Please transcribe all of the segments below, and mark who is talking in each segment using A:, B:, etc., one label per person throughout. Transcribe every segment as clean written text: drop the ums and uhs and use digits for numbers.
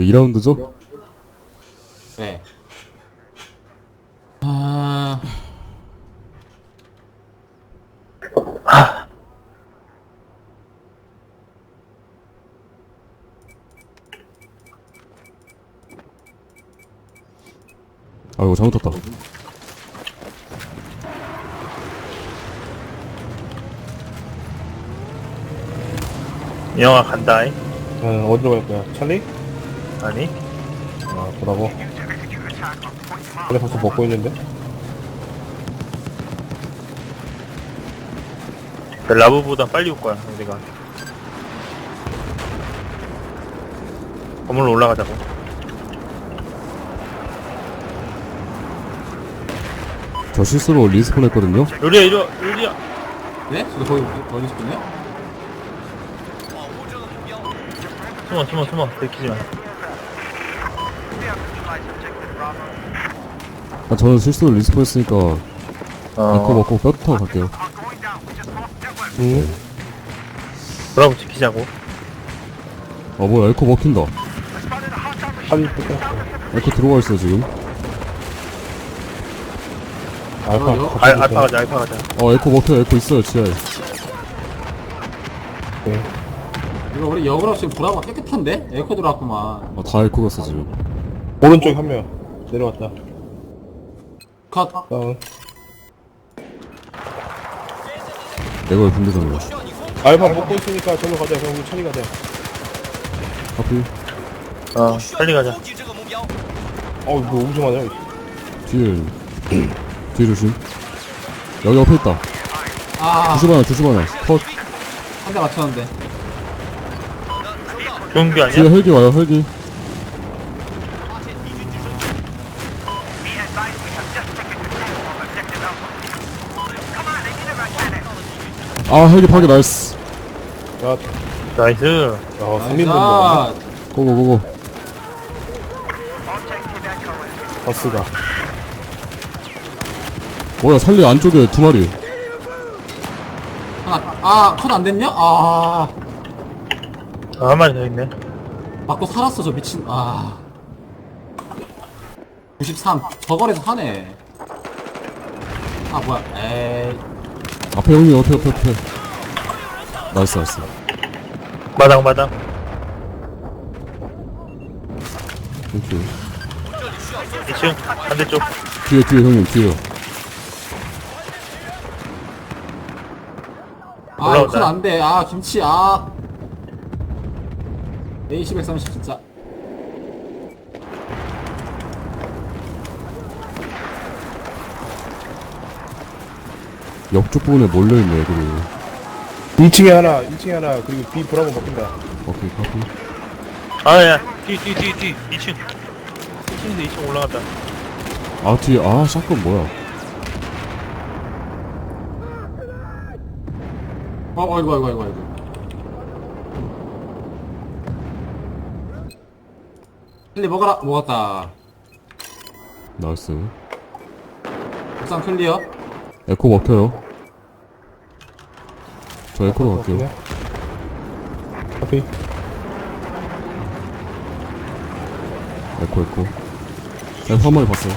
A: 2라운드죠?
B: 네.
A: 아이고 잘못했다.
C: 영화 간다잉?
D: 어디로 갈 거야? 찰리?
C: 아니?
D: 아, 보라고. 그래, 벌써 먹고 있는데?
C: 라브보다 빨리 올 거야, 우리가. 건물로 올라가자고.
A: 저 실수로 리스폰 했거든요?
C: 요리야, 이리 와, 요리야!
B: 네? 저도 거기 있었군요?
C: 숨어. 들키지 마.
A: 아, 저는 실수로 리스폰 했으니까 에코 먹고 뼈 타고 갈게요.
D: 응?
C: 브라보 지키자고.
A: 아 뭐야 에코 먹힌다.
D: 찰리 뜯겼어.
A: 에코 들어가 있어 지금.
D: 알파
C: 알파 가자.
A: 에코 먹혀. 에코 있어요 지하에.
D: 네.
B: 이거 우리 역으로 지금 보라가 깨끗한데? 에코 들어왔구만.
A: 다 에코 갔어 지금.
D: 오른쪽에 한 명. 내려왔다.
B: 컷.
D: 다운.
A: 내가 왜 군대장이야.
D: 알파 먹고 있으니까 저로 가자. 그럼 우리 찰리 가자.
A: 하필
C: 빨리 가자.
D: 이거 엄청 하냐?
A: 뒤에 뒤에 조심. 여기 옆에 있다.
B: 아,
A: 주심 하나 컷.
B: 한 대 맞췄는데.
C: 좋은 게
A: 뒤에
C: 아니야?
A: 헬기 와요 헬기. 아 헬기 파괴 나이스.
D: 야,
C: 나이스.
D: 3인분 먹었네.
B: 아,
A: 고고고고.
D: 버스가.
A: 뭐야 살리 안쪽에 두 마리.
B: 하나, 컷 안 됐냐?
C: 한 마리 더 있네.
B: 맞고 살았어, 저 미친. 93. 저거리에서 하네. 뭐야. 에이.
A: 앞에 형님 옆에. 나이스.
C: 마당.
A: 땡큐.
C: 2층, 반대쪽.
A: 뒤에 형님 뒤에요.
C: 올라온다.
B: 컷 안 돼. 김치. AC 130 진짜.
A: 옆쪽 부분에 몰려있네 애들이.
D: 2층에 하나, 그리고 B 브라보 먹힌다.
A: 오케이 카피.
C: 야. 뒤. 2층. 1층에서 2층 올라간다.
A: 뒤에 샷건 뭐야.
B: 아이고. 클리 먹었다.
A: 나이스.
B: 옥상 클리어.
A: 에코 먹혀요. 저 에코로 갈게요.
D: 커피.
A: 에코. 내가 한 마리 봤어요.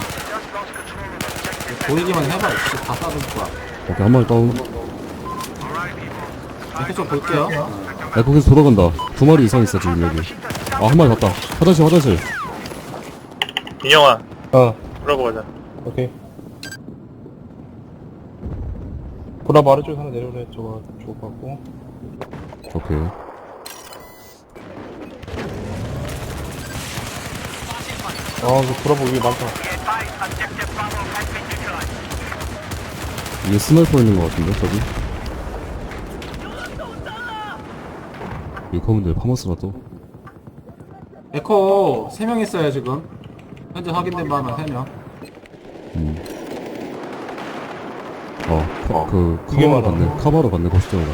B: 보이기만 해봐. 진짜 다 쏴줄 거야.
A: 오케이 한 마리 다운.
B: 이렇게 좀 볼게요.
A: 에코 계속 돌아간다. 두 마리 이상 있어 지금 여기. 한 마리 갔다. 화장실.
C: 인영아,
D: 어,
C: 브라보 가자.
D: 오케이. 브라보 아래쪽에 하나 내려오래. 저거 죽을 것 같고.
A: 오케이.
D: 그 브라보 위에 많다.
A: 이게 스나이퍼 있는 것 같은데 저기. 이 커먼드에 파머스나 또.
B: 에코 3명 있어요 지금. 현재 확인된 바만 3명.
D: 이게
A: 카바로
D: 많아.
A: 갔네. 카바로 갔네 거시적으로.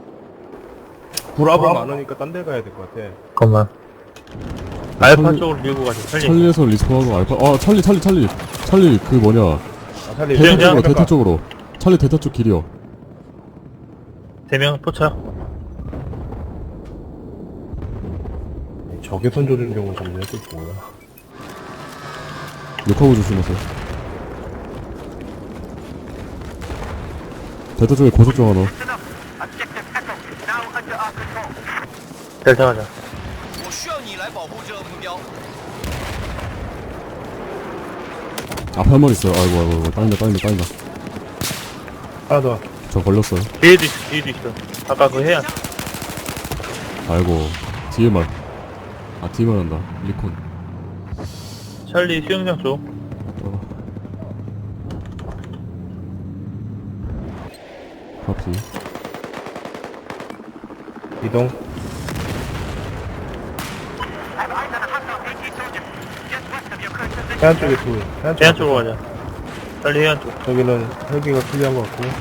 D: 브라보 많으니까 딴 데 가야 될 것 같아.
C: 잠깐만. 알파 쪽으로 밀고 가자. 빨리.
A: 찰리에서 리스폰하고 알파. 찰리 그 뭐냐.
D: 찰리.
A: 대타 쪽으로. 찰리 대타 쪽 길이요.
C: 3명 포착.
D: 적외선 조준경을 잡는 게 뭐야?
A: 욕하고 조심하세요. 델타 쪽에 고속정 하나.
C: 델타 가자.
E: 我需要你来保护这个目标。
A: 앞에 한 마리 있어요. 아이고. 땅이다.
D: 하나 더.
A: 저 걸렸어요.
C: 뒤에도 있어. 아까 그 해안.
A: 아이고. 뒤에만. 뒤에만 한다. 리콘.
C: 찰리 수영장 쪽.
A: 카피.
D: 이동. 해안 쪽에 둘.
C: 해안 쪽으로 가자. 찰리 해안 쪽.
D: 저기는 헬기가 클리어한 것 같고.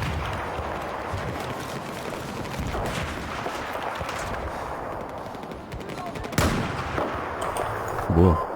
A: 뭐야.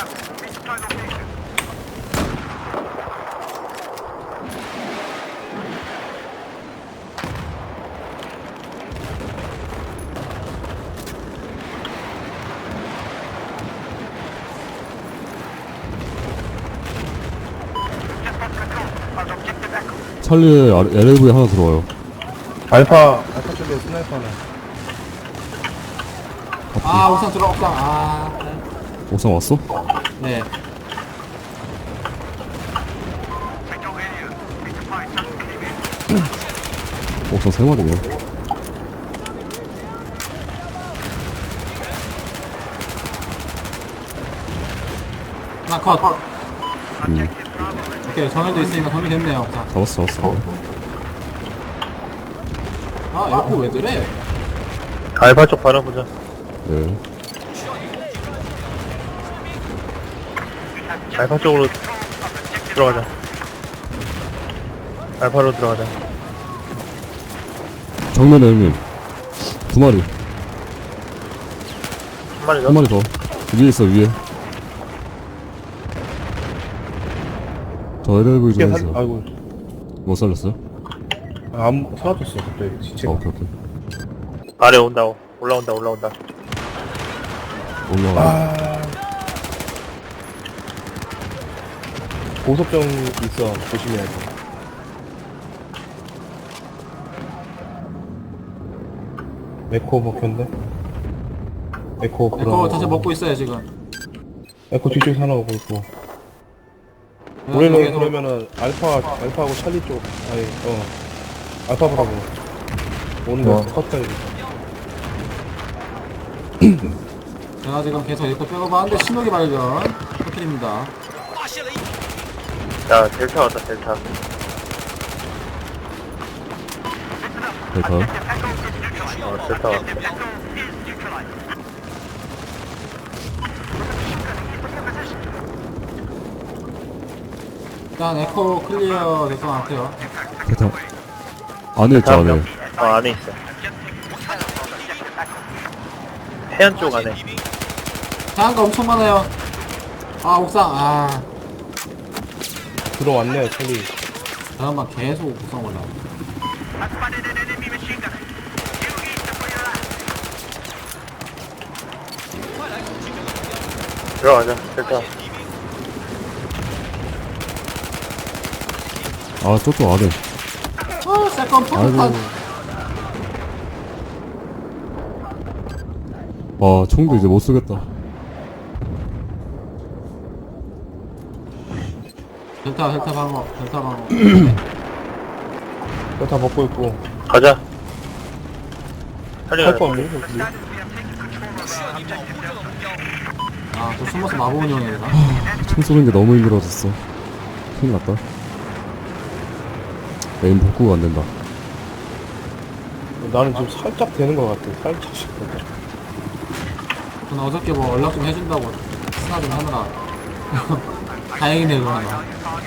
A: 찰리에 LLV 하나 들어와요.
D: 알파 쪽에 스나이퍼 하나.
B: 아, 옥상 들어, 옥상. 아,
A: 옥상 왔어?
B: 네.
A: 옥상 3마리네.
B: 하나 컷.
A: 음.
B: 오케이, 정해져 있으니까 정리됐네요, 옥상.
A: 잡았어.
B: 아, 에코 왜 그래?
C: 알파 쪽 바라보자.
A: 네.
C: 알파 쪽으로 들어가자. 알파로 들어가자.
A: 정면에 형님. 2마리.
C: 한 마리 더.
A: 1마리 더. 위에 있어, 위에. 저 LLV 좀 해주세요.
D: 아이고.
A: 못 살렸어요?
D: 사라졌어, 갑자기. 시체가.
A: 오케이.
C: 아래 온다. 올라온다.
A: 올라가.
D: 고속정 있어. 조심해야 돼. 에코 먹혔는데? 에코
B: 에코 다시 먹고 있어요, 지금.
D: 에코 뒤쪽에 하나 오고 있고.
B: 계속-
D: 우리는 그러면은 알파하고 찰리 쪽, 알파 브라보. 오는 거 컷해야겠다.
B: 제가 지금 계속 에코 백업 하는데 신호기 발견. 터트립니다.
E: 发现了一
C: 자, 델타 왔다, 델타.
A: 델타.
C: 델타 왔다.
B: 일단 에코 클리어 될것 같아요.
A: 델타. 안에 있죠, 안에.
C: 안에 있어. 해안 쪽 안에.
B: 다양한 거 엄청 많아요. 아, 옥상.
D: 들어왔네요, 찰리.
B: 잠깐만, 계속 옥상 올라와.
C: 들어가자, 델타.
A: 저쪽 안에.
B: 세컨 포토탄.
A: 총도 이제 못 쓰겠다.
B: 델타 방어.
D: 그거 다 먹고 있고.
C: 가자. 찰리
D: 할 거
C: 가자.
D: 없니? 여기?
B: 아, 저 숨어서 마법 운영해야 되나?
A: 총 쏘는 게 너무 힘들어졌어. 큰일 났다. 에임 복구가 안 된다.
D: 나는 지금 살짝 되는 것 같아. 살짝씩.
B: 저는 어저께 뭐 연락 좀 해준다고 스나 좀 하느라. 다행이네, 그거 하나.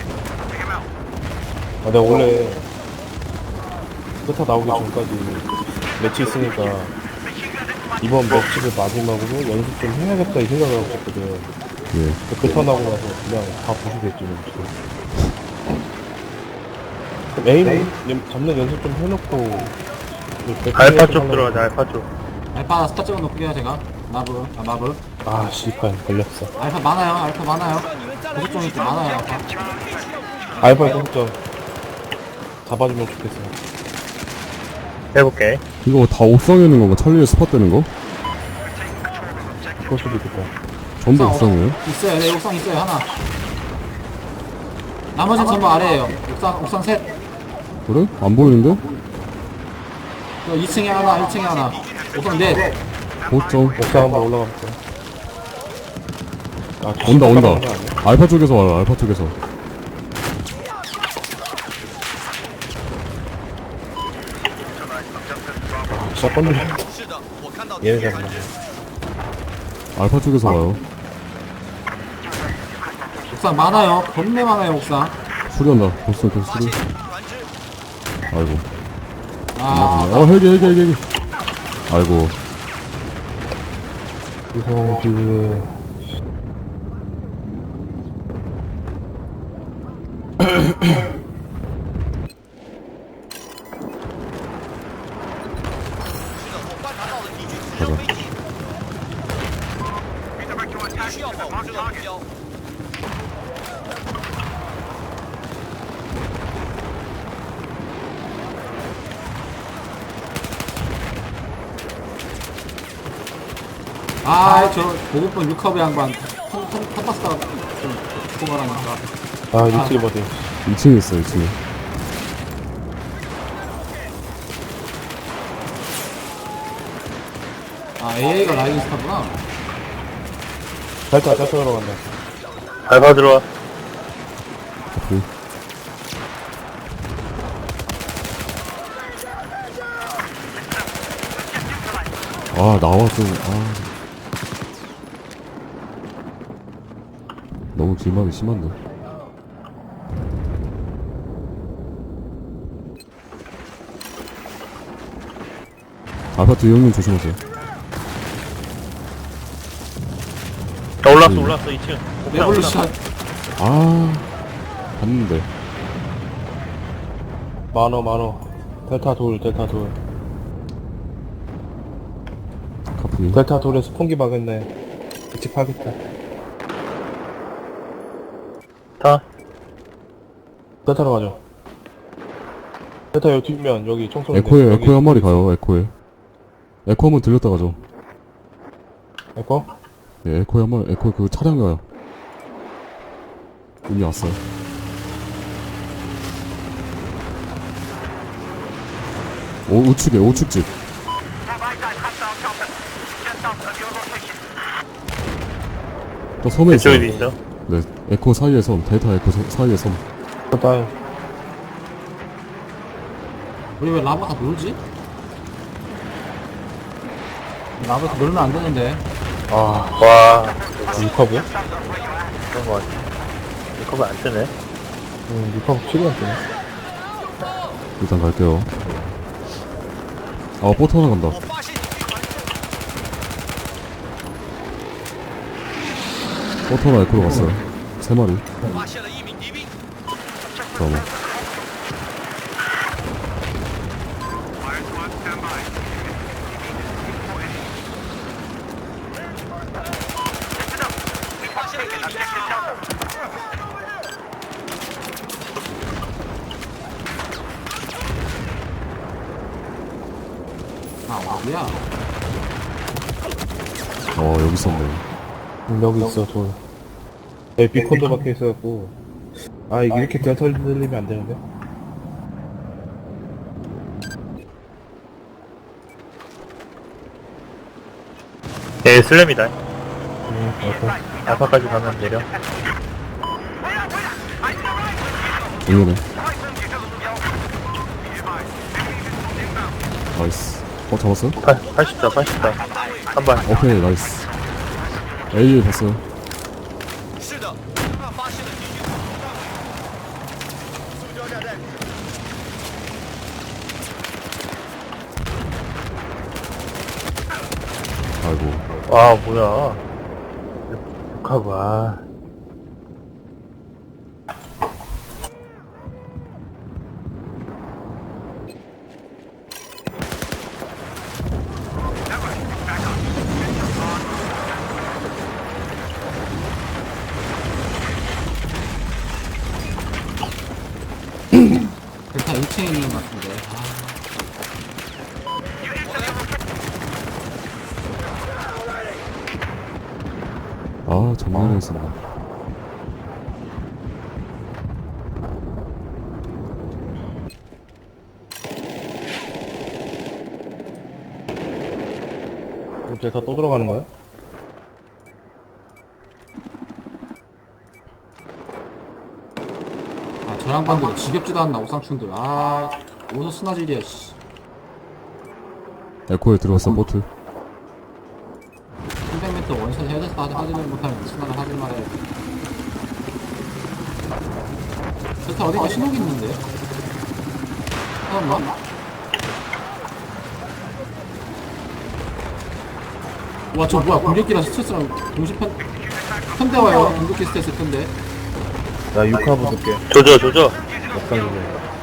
D: 내가 원래 스타 나오기 전까지 매치 있으니까 이번 매치를 마지막으로 연습 좀 해야겠다 이 생각을 하고 있었거든.
A: 예.
D: 그터 나고 나서 그냥 다 부수겠지. 그럼 에임 잡는 연습 좀 해놓고
C: 알파 쪽 들어가자, 알파 쪽.
B: 알파 스타 찍어놓을게요, 제가. 마블.
D: 아 씨발 걸렸어.
B: 알파 많아요. 알파 많아요. 고속 좀 있고 많아요. 알파.
D: 알파 공점 잡아주면 좋겠어.
C: 해볼게.
A: 이거 다 옥상에 있는 건가? 찰리에 스팟 되는 거?
D: 그럴 수도 있겠다.
A: 전부 옥상이에요?
B: 있어요. 네, 옥상 있어요. 하나. 나머지는 전부 아래에요. 옥상 셋.
A: 그래? 안 보이는데?
B: 2층에 하나, 1층에 하나. 옥상 넷.
A: 고점.
D: 옥상 한번 올라가볼까? 아,
A: 온다 온다.
D: 거 아니야?
A: 알파 쪽에서 와요. 알파 쪽에서.
D: 아, 진짜 뻔들.
E: 是的，我看到
D: 얘네 잡나.
A: 알파 쪽에서 와요.
B: 옥상 많아요. 겁내 많아요, 옥상.
A: 수리한다. 벌써 그
E: 发
A: 수리.
E: 现船只，
A: 아이고.
B: 아,
A: 헬기. 아이고.
D: 이성그
E: 需要保护这个目标。
B: 아, 저 보급본 6커브 양반. 탑바스가 좀 고발하니까.
D: 아 유틸 버디.
A: 2층에 있어 2층에.
B: 아, AA가 라이딩 스타구나.
D: 잘타 들어간다.
C: 알파 들어와.
A: 오케이. 아 나와 좀. 아. 너무 길막이 심한데. 아파트 형님 조심하세요.
C: 올랐어 2층.
B: 레볼루션.
A: 아 봤는데.
D: 많어. 델타 돌.
A: 카프니.
D: 델타 돌에서 풍기 박았네. 같이 파겠다.
C: 타.
D: 델타로 가자. 델타 여기 뒷면 여기 총 쏘는데.
A: 에코에
D: 여기
A: 한 마리 가요. 에코에. 에코 한번 들렸다 가죠.
D: 에코?
A: 네, 에코에 한 마리. 에코에 그 차량 가요. 이미 왔어요. 우측집. 또 섬에 있어요.
C: 이쪽에도 있어.
A: 네, 에코 사이의 섬, 데이터 에코 사이의 섬.
D: 델타
B: 우리 왜 라바가 놀지? 라바가 놀면 안 되는데.
C: 와,
D: 리커브야?
C: 그런 거 같아. 이거 안 뜨네.
D: 리커브 치료 안 되네.
A: 일단 갈게요. 아, 보트 하나 간다.
E: 我发现敌船只，
A: 보트 하나 에코로 갔어요. 3마리.
E: 发现了一名敌兵。
A: 잠깐만.
B: 아, 어디야?
A: 여기 있었네.
D: 여기 있어 돌. 여기 비콘도 박혀 있어갖고. 아 이게 이렇게 델타 들리면 안 되는데.
C: 예, 슬램이다.
D: 오케이.
C: 알파까지 가면 내려.
A: 정면에. 나이스. 잡았어요?
C: 80다. 한 발.
A: 오케이, 나이스. A 봤어요.
E: 是的，他发现了敌军。塑胶炸弹，
A: 아이고.
C: 와, 뭐야. 욕하고, 아.
A: 아 정면에 있었나.
D: 이제 다 또 들어가는 거야?
B: 아, 저 양반들 지겹지도 않나, 옥상충들. 아, 어디서 스나질이야, 씨.
A: 에코에 들어왔어 보트.
B: 300m 원샷 해야 돼서 하지를 못하면 스나를 하지 말아야 돼. 델타 어디가 신호기 있는데? 잠깐만. 와, 저 뭐야, 공격기랑 스트레스랑 동시 편대 와요. 공격기 스트레스 편대.
D: 나 6화 붙을게.
C: 조져 조져.
D: 역상 조절.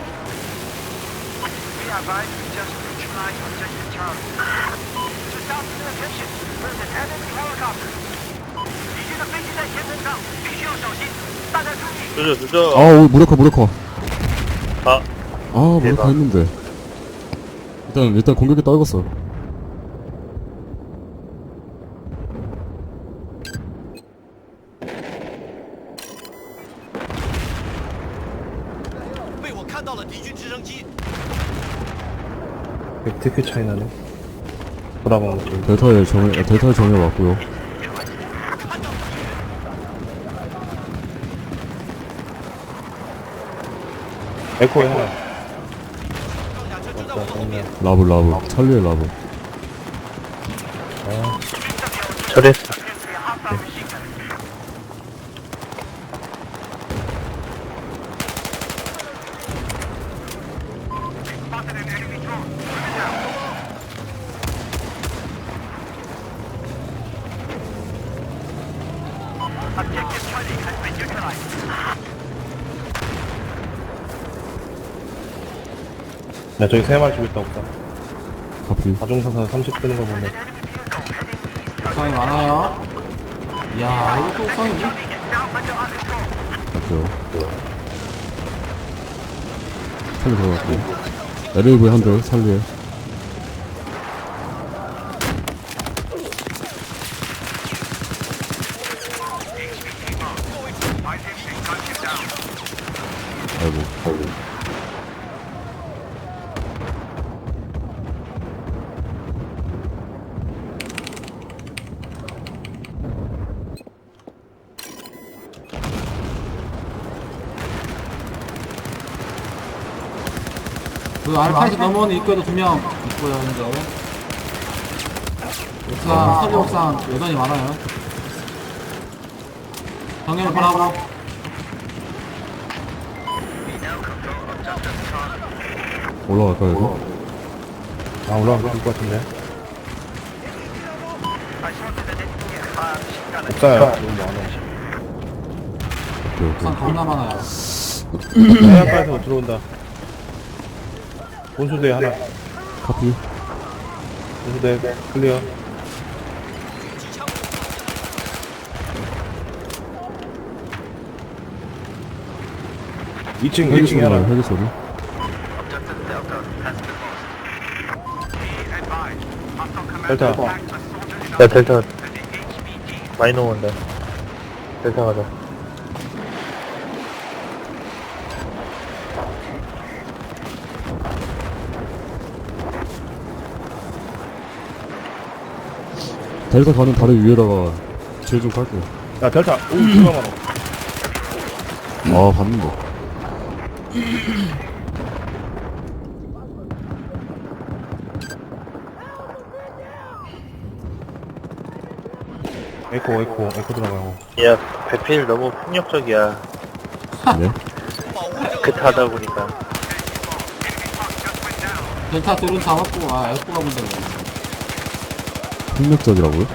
E: Be advised, we just neutralized objective Charlie. To stop the attention, there's an enemy helicopter. 敌军的飞机在前程上，必须要小心。大家注意。
C: 조져 조져.
A: 아 오, 무력화.
C: 아
A: 아 무력화
C: 대박.
A: 했는데. 일단 공격에 떨궜어.
D: 벡트큐 차이 나네. 돌아본 거지.
A: 델타의 정예 왔고요.
D: 에코에 하나. 맞다, 정면.
A: 라브 찰리의 라브.
C: 처리했어.
E: Objective Charlie has been neutralized.
D: 야, 저기 세 마리 죽였다, 없다.
A: 카피.
D: 다중사사 30 뜨는 거 보네.
B: 옥상이 많아요. 이야, 이것도 옥상이지?
A: 맞죠. 찰리 들어갔고. LAV 한 대, 찰리에. 아이고.
B: 그 알파에서 넘어오는 입구에도 2명 있고요, 현재. 옥상, 서리 옥상 여전히 많아요. 정렬 보라고.
A: 올라갈까요, 이거?
D: 아, 올라가면 좋을 것 같은데. 없어요. 너무 많아.
A: 오케이.
B: 옥상 겁나 많아요.
D: 해안가에서 들어온다. 본수대 하나.
A: 카피.
D: 본수대 클리어.
A: 헬기
D: 2층
A: 소리
D: 하나.
A: 나요, 헬기 소리.
D: 델타.
C: 야 델타 많이 넘어온다. 델타 가자.
A: 델타 가는 다리 위에다가 질 좀 깔게요.
D: 야, 델타. 오, 들어가 많아.
A: 아, 봤는데.
D: 에코 들어가고.
C: 야 배필 너무 폭력적이야.
A: 네?
C: 그때 하다 보니까.
B: 델타 둘은 잡았고, 아, 에코가 문제네.
A: 폭력적이라고요?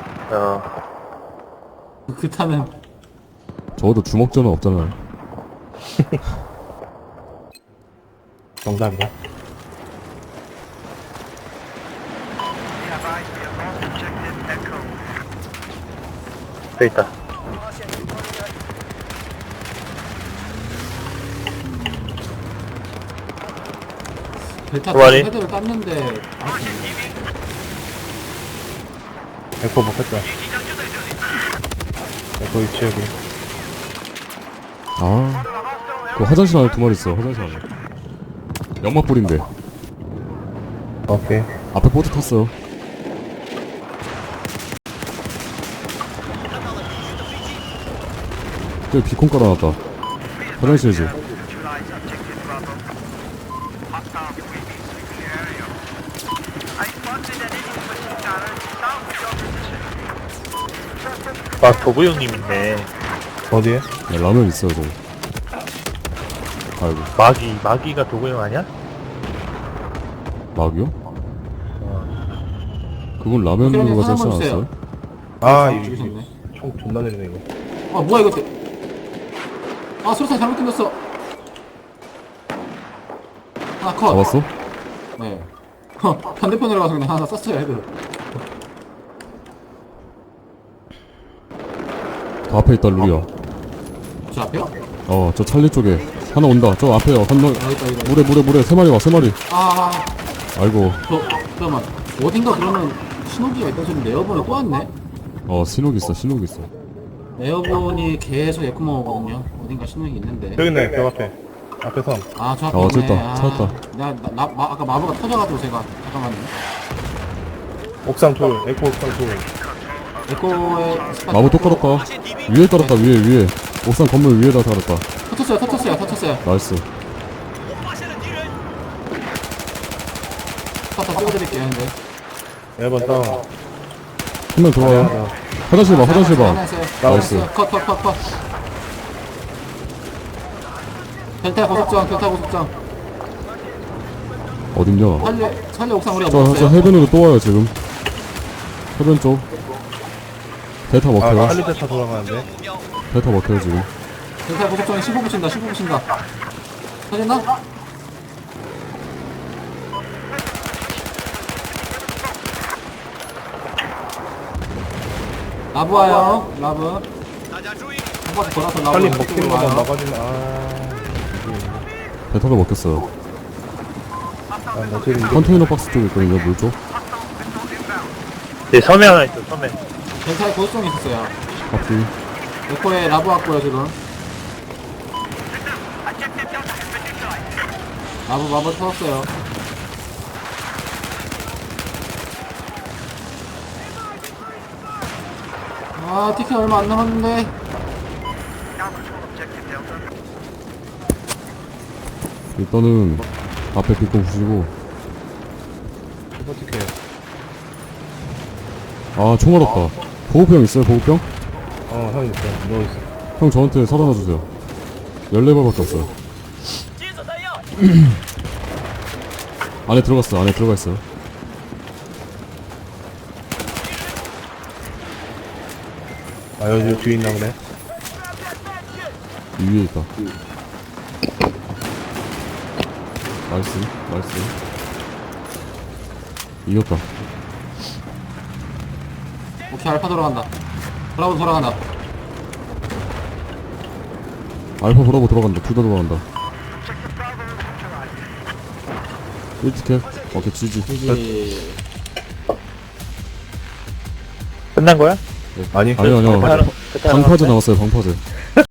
B: 그 타는
A: 적어도 주먹전은 없잖아요.
D: 정답이야.
C: 돼 있다.
B: 델타
C: 그만해.
B: 헤드를 땄는데,
D: 에코 먹혔다. 또 있지 여기.
A: 아, 그 화장실 안에 2마리 있어. 화장실 안에. 연막 뿌린데.
D: 오케이.
A: 앞에 보트 탔어요. 저기 비콘 깔아놨다. 화장실이지.
E: Neutralize objective Bravo. Hostile UAV sweeping the area. I spotted an enemy machine gunner south of your position.
C: 아, 도구 형님 있네.
D: 어디에?
A: 네, 라면 있어요, 저. 아이고,
C: 마기가 도구 형 아니야?
A: 막이요? 그건 라면으로 가지 않지
B: 사람
A: 않았어요?
D: 아
B: 아,
D: 이거
B: 죽이셨네.
D: 총 존나 내리네 이거.
B: 아 뭐야 이거. 아 수류탄 잘못 던졌어. 하나 컷.
A: 잡았어?
B: 네. 반대편으로 가서 그냥 하나 쐈어요 헤드.
A: 더 앞에 있다, 루리야.
B: 저 앞에요?
A: 저 찰리 쪽에. 하나 온다. 저 앞에요. 건너,
B: 여기 있다 여기 있다.
A: 물에. 3마리 와, 3마리. 아이고,
B: 잠깐만. 어딘가 그러면 신호기가 있던 소리인데 에어본이 또 왔네?
A: 신호기 있어.
B: 에어본이 계속 에코만 오거든요. 어딘가 신호기 있는데.
D: 저기 있네 벽 앞에. 앞에 선.
B: 아, 저 앞에
A: 어,
B: 있네.
A: 저기 있다. 찾았다.
B: 아까 마부가 터져가지고 제가 잠깐만요.
D: 옥상 돌. 에코 옥상 돌.
B: 에코의 스팟
A: 마부 또 깔았다. 위에 깔았다, 위에. 옥상 건물 위에다 깔았다.
B: 터쳤어요.
A: 나이스.
B: 스팟 다 찍어드릴게요, 근데.
D: 1번 다운.
A: 한 명 들어와요. 화장실 봐.
B: 하나 있어요.
A: 나이스.
B: 컷. 델타 고속정.
A: 어딨냐?
B: 살려 옥상 우리가
A: 저
B: 먹었어요.
A: 해변으로 또 와요, 지금. 해변 쪽. 대타
D: 아
A: 먹혀요.
D: 할리데타 돌아가는데.
A: 대타 먹혀요, 지금.
B: 델타 고속정에 15 붙인다. 터졌나? 라브 와요. 라브. 한 바퀴 돌아서 라브.
D: 할리
B: 이쪽으로
D: 먹히는 것만
B: 와요.
D: 막아주면
A: 대타도 먹혔어요.
D: 나 지금
A: 컨테이너 박스 쪽에 있거든요, 물 쪽.
C: 네, 섬에 하나 있어, 섬에.
B: 델타에 고속정이 있었어요.
A: 앞뒤.
B: 에코에 라브 왔고요, 지금. 마부 터졌어요. 아, 티켓 얼마 안 남았는데.
A: 일단은 앞에 빗고 부시고.
D: 어떻게?
A: 총알 없다. 보호병 있어요, 보호병?
D: 형 있어. 너 있어.
A: 형 저한테 사다 놔주세요. 14발밖에 없어요. 안에 들어가 있어요.
D: 여기 뒤에 있나 보네.
A: 이 위에 있다. 나이스. 이겼다.
B: 오케이, 알파 돌아간다. 브라보 돌아간다.
A: 알파 브라보 들어간다. 둘 다 들어간다. 1티켓. 오케이, GG.
B: 여기.
C: 끝난 거야?
D: 아니.
A: 아니요.
C: 끝나는-
A: 방파제 나왔어요, 방파제.